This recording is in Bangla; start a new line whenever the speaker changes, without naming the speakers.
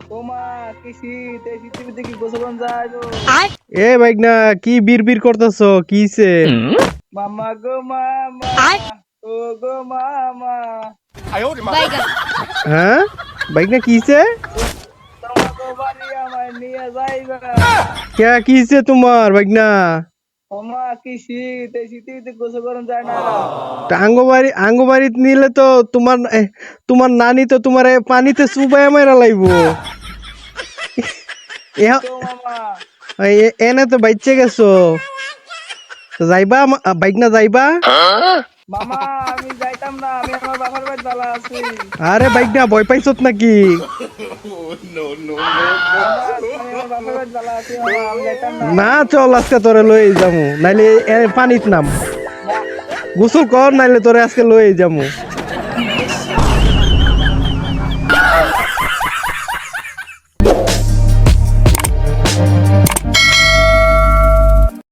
ওমা কি শীত, এই শীতের ভিতরে কি গোসল করন যাইবো?
এ বাইকনা কি বিড়বিড় করতেছো কিছে?
মামা গো মামা, ও গো মামা,
হ্যাঁ বাইকনা কিছে?
তোমাকে বাড়ি আমায় নিয়ে যাইবা।
কে কিছে তোমার বাইকনা?
ওমা কি শীত, এই শীতের ভিতরে গোসল করন যায় না।
আঙ্গবাড়িত নিলে তো তোমার নানি তো তোমার পানিতে চুবাই মারা লাইবো।
তো মামা,
এনে তো বাইচে গেছো, তো যাইবা বাইকনা যাইবা?
মামা আমি যাইতাম না, আমি আমার বাবার বাড়ি ভালো আছি।
আরে বাইকনা ভয় পাইছত নাকি?
মামা আমি আমার বাবার বাড়ি ভালো আছি, মামা আমি যাইতাম না।
না চল আজকে তোরে লই যামু, নাইলে পানিত নাম,
না,
গোসল কর নাইলে তোরে আজকে লই যামু।